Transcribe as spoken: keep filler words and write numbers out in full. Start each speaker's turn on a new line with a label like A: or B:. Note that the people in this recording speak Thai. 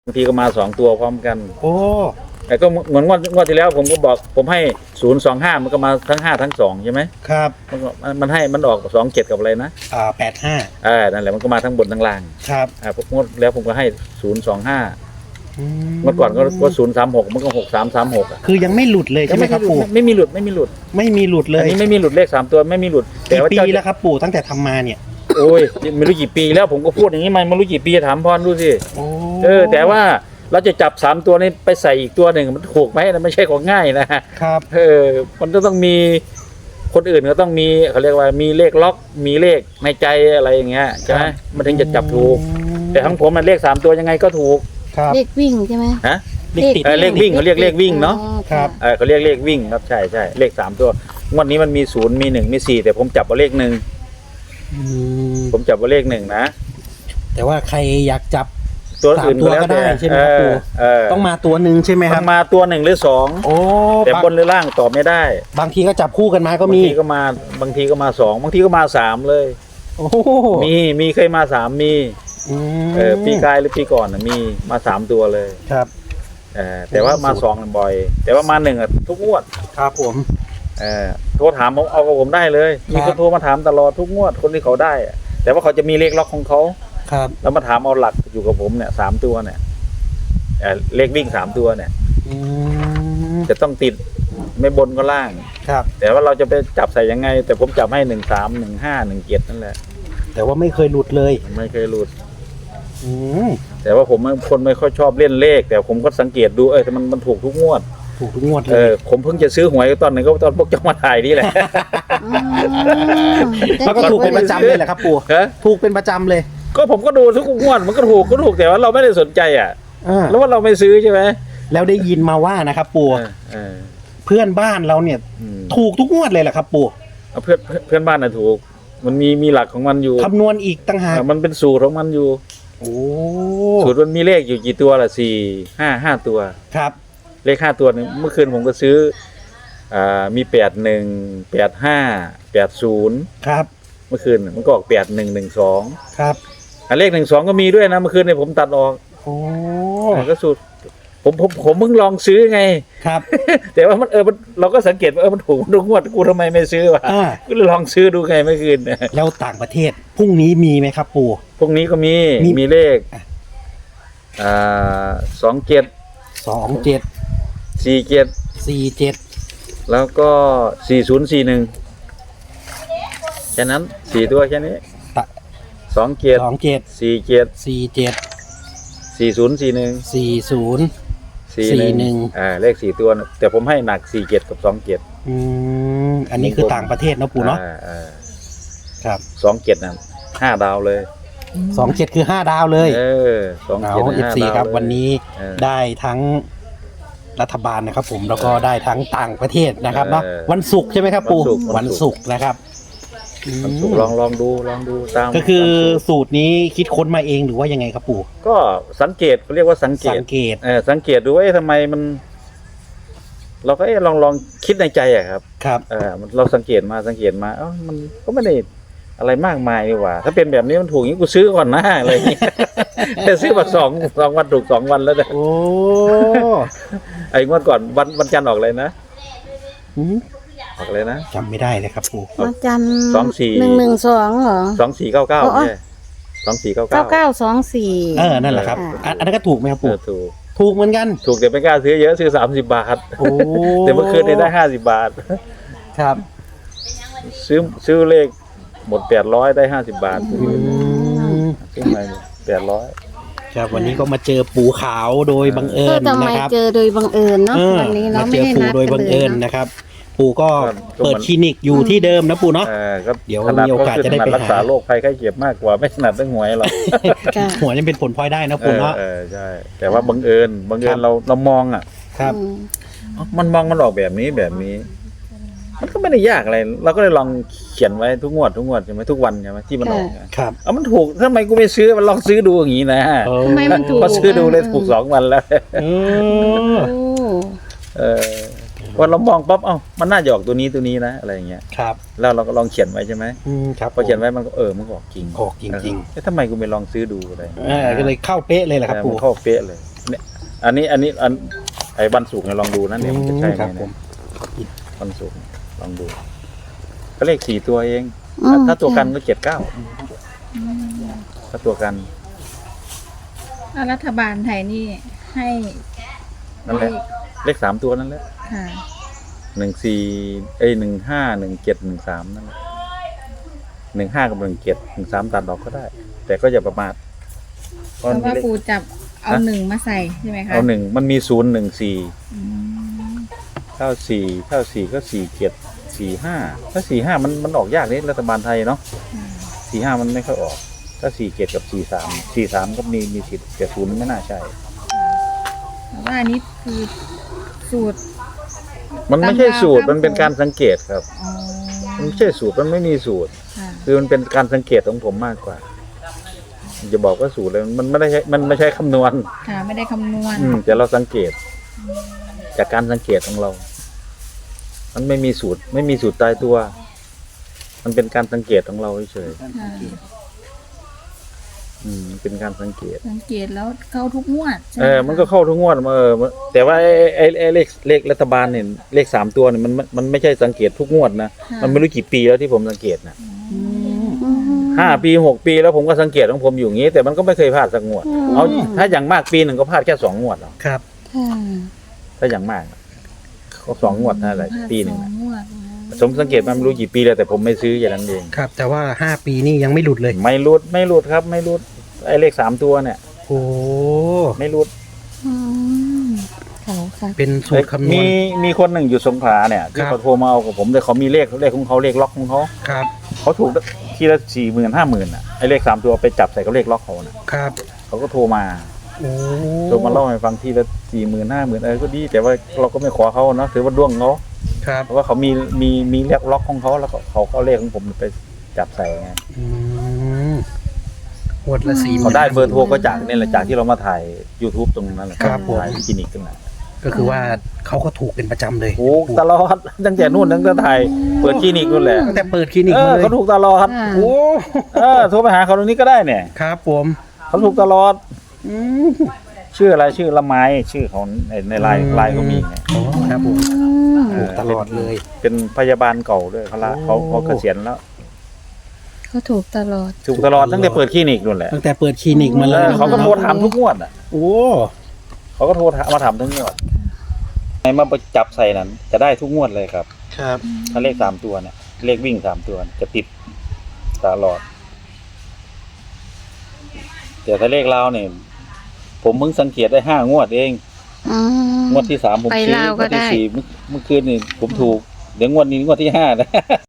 A: บางทีก็มาสองตัวพร้อมกัน
B: โอ้
A: แต่ก็เหมือนงวดงวดที่แล้วผมก็บอกผมให้ศูนย์สองห้ามันก็มาทั้งห้าทั้งสองใช่ไหม
B: ครับ
A: มันก็มันให้มันออกสองเจ็ดกับอะไรนะ
B: อ่าแปดห้า
A: อ่านั่นแหละมันก็มาทั้งบนทั้งล่าง
B: ครับ
A: อ่าผมงวดแล้วผมก็ให้ศูนย์สองห้าเมื่อก่อนก็ก็ศูนย์สามหกมันก็หกสามสามหก
B: คือยังไม่หลุดเลยใช่ไหมครับปู่
A: ไม่มีหลุดไม่มีหลุด
B: ไม่มีหลุดเลย
A: อันนี้ไม่มีหลุดเลขสามตัวไม่มีหลุด
B: แต่ว่าปีแล้วครับปู่ตั้งแต่ทำมาเนี่ย
A: โอ้ยไม่รู้กี่ปีแล้วผมก็พูดอย่างนี้มันไม่รู้กี่ปีถามพรดูสิเออแต่ว่าเราจะจับสามตัวนี้ไปใส่อีกตัวหนึ่งมันถูกไหมนะไม่ใช่ของง่ายนะครับเออมันจะต้องมีคนอื่นก็ต้องมีเขาเรียกว่ามีเลขล็อกมีเลขในใจอะไรอย่างเงี้ยใช่ไหมมันถึงจะจับถูกแต่ทั้งผมมันเลขสามตัวยังไงก็ถูก
C: เลขวิ่งใช่ไหม
A: ฮะเลขติดเลขวิ่งเขาเรียกเลขวิ่งเนาะ
B: ครับ
A: เออเขาเรียกเลขวิ่งครับใช่ใช่เลขสามตัวงวดนี้มันมีศูนย์มีหนึ่งมีสี่แต่ผมจับเอาเลขหนึ่งผมจับเอาเลขหนึ่งนะ
B: แต่ว่าใครอยากจับ
A: ตัวอื่นก็ได้
B: ใช่ไหมครับปู่ต้องมาตัวหนึ่งใช่ไหมครับ
A: มาตัวหนึ่งหรือสอง
B: โอ้
A: แต่บนหรือล่างตอบไม่ได้
B: บางทีก็จับคู่กันมาก็มี
A: บางทีก็มาบางทีก็มาสองบางทีก็มาสามเลย
B: โอ้
A: มีมีเคยมาสามมีเออปีกายหรือปีก่อนมีมาสามตัวเลย
B: ครับ
A: เออแต่ว่ามาสองบ่อยแต่ว่ามาหนึ่งอ่ะทุกงวด
B: ครับผม
A: เออโทรถามผมเอากับผมได้เลยมีคนโทรมาถามตลอดทุกงวดคนที่เขาได้แต่ว่าเขาจะมีเลขล็อกของเขา
B: ครับ
A: แล้วมาถามเอาหลักอยู่กับผมเนี่ยสามตัวเนี่ยเลขวิ่งสามตัวเนี่ยจะต้องติดไม่บนก็ล่าง
B: ครับ
A: แต่ว่าเราจะไปจับใส่ยังไงแต่ผมจับให้หนึ่งสามหนึ่งห้าหนึ่งเจ็ดนั่นแหละ
B: แต่ว่าไม่เคยหลุดเลย
A: ไม่เคยหลุดแต่ว่าผมคนไม่ค่อยชอบเล่นเลขแต่ผมก็สังเกตดูเออแต่มันมันถูกทุกงวด
B: ถูกทุกงวดเลย
A: เออผมเพิ่งจะซื้อหวยตอนหนึ่งก็ตอนพวกเจ้ามาถ่ายนี่แหละ
B: แล้วก็ถูกเป็นประจำเลยแหละครับปู่ถูกเป็นประจำเลย
A: ก็ผมก็ดูทุกงวดมันก็ถูกก็ถูกแต่ว่าเราไม่ได้สนใจอ่ะแล้วว่าเราไม่ซื้อใช่ไหม
B: แล้วได้ยินมาว่านะครับปู่เพื่อนบ้านเราเนี่ยถูกทุกงวดเลยแหละครับปู่
A: เพื่อนเพื่อนบ้านน่ะถูกมันมีมีหลักของมันอยู่
B: คำนวณอีกต่างหาก
A: มันเป็นสูตรของมันอยู่
B: โอ้
A: สูตรมันมีเลขอยู่กี่ตัวล่ะสี่ห้าห้าตัว
B: ครับ
A: เลขห้าตัวนึงเมื่อคืนผมก็ซื้ออ่ามีแปดหนึ่งแปดห้าแปดศูนย์
B: ครับ
A: เมื่อคืนมันก็ออกแปดหนึ่งหนึ่งสอง
B: ครับ
A: อ่าเลขหนึ่งสองก็มีด้วยนะเมื่อคืนเนี่ยผมตัดออก
B: โอ้
A: ก็สูตรผมผมผมเพิ่งลองซื้อไง
B: ครับ
A: แต่ว่ามันเออมันเราก็สังเกตว่าเออมันถูกทุกงวดกูทำไมไม่ซื้อวะก็เลยลองซื้อดูไงเมื่อคืน
B: แล้วต่างประเทศพรุ่งนี้มีไหมครับปู่
A: พรุ่งนี้ก็มีมีเลขอ่าสองเจ็ด
B: สองเจ็ด
A: สี่เจ็ด
B: สี่เจ็ด
A: แล้วก็สี่ศูนย์สี่หนึ่งแค่นั้นสี่ตัวแค่นี้สองเจ็ด
B: สองเจ็ด
A: สี่เจ็ด
B: สี่เจ็ด
A: สี่ศูนย์สี่หนึ่ง
B: สี่ศูนย์
A: สี่หนึ่งอ่าเลขสี่ตัวแต่ผมให้หนักสี่เจ็ดกับสองเจ็ด
B: อืมอันนี้คือต่างประเทศนะปู่เนาะ
A: อ่า
B: ครับ
A: สองเจ็ดนั่นห้าดาวเลย
B: สองเจ็ดคือห้าดาวเลย
A: เออสองเจ็ด
B: เอฟซีครับวันนี้ได้ทั้งรัฐบาลนะครับผมแล้วก็ได้ทั้งต่างประเทศนะครับเนาะวันศุกร์ใช่ไหมครับปู่วันศุกร์นะครับ
A: วันศุกร์ลองลองดูลองดูตาม
B: ก็คือสูตรนี้คิดค้นมาเองหรือว่ายังไงครับปู่
A: ก็สังเกตเขาเรียกว่าสังเกต
B: สังเกต
A: เออสังเกตดูว่าทำไมมันเราก็ลองลองคิดในใจอะครับ
B: ครับ
A: เออเราสังเกตมาสังเกตมาเอ้ามันก็ไม่ได้อะไรมากมายดีกว่าถ้าเป็นแบบนี้มันถูกอย่างนี้กูซื้อก่อนนะอะไรอย่างเงี้ยแต่ซื้อมาสองสองวันถูกสองวันแล้วนะ
B: โอ้
A: ไอ้งวดก่อนวันวันจันทร์ออกเลยนะออกเลยนะ
B: จำไม่ได้เลยครับปู่
C: วันจันทร์
A: สองสี่
C: หนึ่งหนึ่งสองเหรอ
A: สองสี่เก้าเก้าเนี่ยสองสี่เก้าเก้า
C: เก้าเก้าสองสี่
B: เออนั่นแหละครับอันนั้นก็ถูกไหมครับปู่
A: ถูก
B: ถูกเหมือนกัน
A: ถูกแต่ไม่กล้าซื้อเยอะซื้อสามสิบบาทโอ้แต่เมื่อคืนได้ห้าสิบบาท
B: ครับ
A: ซื้อซื้อเลขหมดแปดร้อยได้ห้าสิบบาทซื้อไปแปดร้อย
B: ครับวันนี้ก็มาเจอปู่ขาวโดยบังเอิญนะครับ
C: เจอโดยบังเอิญเนาะวันนี้เนาะไม่ได้นัด
B: โดยบังเอิญนะครับปู่ก็เปิดคลินิกอยู่ที่เดิมนะปู่เนาะเดี๋ยวมีโอกาสจะได้ไป
A: รักษาโรคภัยไข้เจ็บมากกว่าไม่ถนัดเรื่องหวยหรอก
B: หวยนี่เป็นผลพลอยได้นะปู่เนาะ
A: เออใช่แต่ว่าบังเอิญบังเอิญเราเรามองอ่ะ
B: ครับ
A: มันมองมันออกแบบนี้แบบนี้มันก็ไม่ได้ยากอะไรเราก็เลยลองเขียนไว้ทุกงวดทุกงวดใช่ไหมทุกวันใช่ไหมที่มันออก
B: ครับ
A: เอามันถูกทำไมกูไม่ซื้อมันลองซื้อดูอย่างนี้นะ
C: ทำไมมันถูก
A: พอซื้อดูเลยถูกสองวันแล้วเออวันเรามองปั๊บเอ้ามันน่าจะออกตัวนี้ตัวนี้นะอะไรอย่างเงี้ย
B: ครับ
A: แล้วเราก็ลองเขียนไว้ใช่ไหม
B: ครับ
A: พอเขียนไว้มันก็เออมันออกจริง
B: ออกจริงจริง
A: ทำไมกูไม่ลองซื้อดูอะไร
B: เออก็เลยเข้าเป๊ะเลยแหละครับปู่
A: เข้าเป๊ะเลยอันนี้อันนี้อันไอ้วันศุกร์เนี่ยลองดูนะเนี่ยมันจะใช่ไห
B: ค
A: ม
B: รับผ
A: เนี่
B: ม
A: ยวันศุกร์ลองดูก็เลขสี่ตัวเอง
C: อืม
A: ถ้าตัวกันก็เจ็ดเก้าถ้าตัวกัน
D: แล้วรัฐบาลไทยนี่ให้
A: นั่นแหละเลขสามตัวนั่นแหละ
D: ค่ะ
A: หนึ่งสี่เอ้ยหนึ่งห้าหนึ่งเจ็ดหนึ่งสามนั่นแหละหนึ่งห้ากับหนึ่งเจ็ดหนึ่งสามตัดออกก็ได้ แต่ก็อย่าประมาทเพ
D: เพ
A: ราะ
D: ราะว่า
A: เลข
D: ปูจับเอาหนึ่งมาใส่ใช่ไหมคะ
A: เอาหนึ่งมันมีศูนย์หนึ่งสี่
D: อืม
A: เท่าสี่เท่าสี่ก็สี่เจ็ดสี่ห้าถ้าสี่ห้ามันมันออกยากนี่รัฐบาลไทยเนาะ
D: ค่ะ
A: สี่ห้ามันไม่ค่อยออก ถ้าสี่เจ็ดกับสี่สามสี่สามก็มีมีสิทธิ์แต่ศูนย์ไม่น่าใช่
D: แต่ว่าอันนี้คือสูตร
A: มันไม่ใช่สูตร
D: ตามดาว
A: มันเป็นการสังเกตครับ
D: อ๋อ
A: มันไม่ใช่สูตรมันไม่มีสูตร
D: ค่ะ
A: คือมันเป็นการสังเกตของผมมากกว่าจะบอกว่าสูตรเลยมันไม่ได้ใช้มันไม่ใช่คำนวณ
D: ค่ะไม่ได้คำนวณ
A: อืมแต่เราสังเกต จากการสังเกตของเรา มันไม่มีสูตร ไม่มีสูตรตายตัว มันเป็นการสังเกตของเราเฉย
D: ค่ะ
A: ๆอืมเป็นการสังเกต
D: สังเกตแล้วเข้าทุกงวดใช่ไห
A: เออ มันก็เข้าทุกงวดเออแต่ว่าไอ้ไอ้ไอ้เลขเลขรัฐบาลเนี่ยเลขสามตัวเนี่ยมันมันมันไม่ใช่สังเกตทุกงวดนะ
D: ค่ะ
A: มันไม่รู้กี่ปีแล้วที่ผมสังเกตนะ
D: อืม
C: อืม
A: ห้าปีหกปีแล้วผมก็สังเกตของผมอยู่อย่างนี้ แต่มันก็ไม่เคยพลาดสักงวด
C: อืม
A: เอาถ้าอย่างมากปีหนึ่งก็พลาดแค่สองงวดหรอก
B: ครับ
C: ค่ะ
A: ถ้าอย่างมากก็สองงวดนั่นแหละปีหนึ่ง
D: สอ
A: น่ะ
D: งงวด
A: ผมสังเกตมันไม่รู้กี่ปีแล้วแต่ผมไม่ซื้ออย่างนั้นเอง
B: ครับ แต่ว่าห้าปีนี่ยังไม่หลุดเลย
A: ไม่รุดไม่รุดครับ ไม่รุดไอ้เลขสามตัวเนี่ย
B: โอ้
A: ไม่รุด
C: อืมเขาค่ะ
B: เป็นสูตรคำนว
A: มี
B: ณ
A: มีคนหนึ่งอยู่สงขลาเนี่ยที่
B: ครับ
A: เขาโทรมาเอากับผมแต่เขามีเลขเลขของเขาเลขล็อกของเขา
B: ครับ
A: เขาถูกทีละสี่หมื่นห้าหมื่นอ่ะไอ้เลขสามตัวไปจับใส่กับเลขล็อกเขาน่ะ
B: ครับ
A: เขาก็โทรมา
B: โอ้
A: โทรมาเล่าให้ฟังทีละสี่หมื่นห้าหมื่นเออก็ดีแต่ว่าเราก็ไม่ขอเขาเนาะถือว่าดวงเขา
B: ครับ
A: เพราะว่าเขามีมีมีเลขล็อกของเขาแล้วก็เขาก็เอาเลขของผมไปจับใส่ไง
B: อืมงวดละสี่
A: เขาได้เบอร์โทรก็จากนี่แหละจากที่เรามาถ่าย YouTube ตรงนั้นแหละ
B: ครับผม
A: ถ่ายคลินิกตรงนั้น
B: ก็คือว่าเขาก็ถูกเป็นประจำเลย
A: ถูกตลอดตั้งแต่นู่นตั้งแต่ถ่ายเปิดคลินิกนู่นแหละ
B: ตั้งแต่เปิดคลินิก
A: เอ
B: มา
A: อ
B: เลย
A: เขาถูกตลอด
C: ค่ะ
B: โอ้
A: เออโทรไปหาเขาตรงนี้ก็ได้เนี่ย
B: ครับผม
A: เขาถูกตลอด
B: อืม
A: ชื่ออะไรชื่อละไม้ชื่อเขาในในไลน์ไลน์เขามีไง
B: โอ้ครับผม
C: อืม
B: ถูกตลอดเลย
A: เป็นพยาบาลเก่าด้วยเขาละ
B: โอ้
A: เขาเขาเกษียณแล้ว
C: เขาถูกตลอด
A: ถูกตลอดตั้งแต่เปิดคลินิกนู่นแหละ
B: ตั้งแต่เปิดคลินิกมาเล
A: เอย อเขาก็โทรถามทุกงวดอ่ะ
B: โอ้
A: เขาก็โทรถามมาถามทุกงวดไอ้มาจับใส่นั้น จะได้ทุกงวดเลยครับ
B: ครับ
A: ถ้าเลขสามตัวเนี่ยเลขวิ่งสามตัวเนี่ยจะติดตลอด แต่ถ้าเลขลาวเนี่ยผมเพิ่งสังเกตได้ห้างวดเอง
C: อืม
A: งวดที่สามผม
C: ไป
A: ซื้อ
C: ลาว
A: ง
C: ก็
A: วดที่
C: ได้
A: สี่เมื่อเมื่อคืนนี่ผมถูก เดี๋ยวงวดนี้งวดที่ห้านะ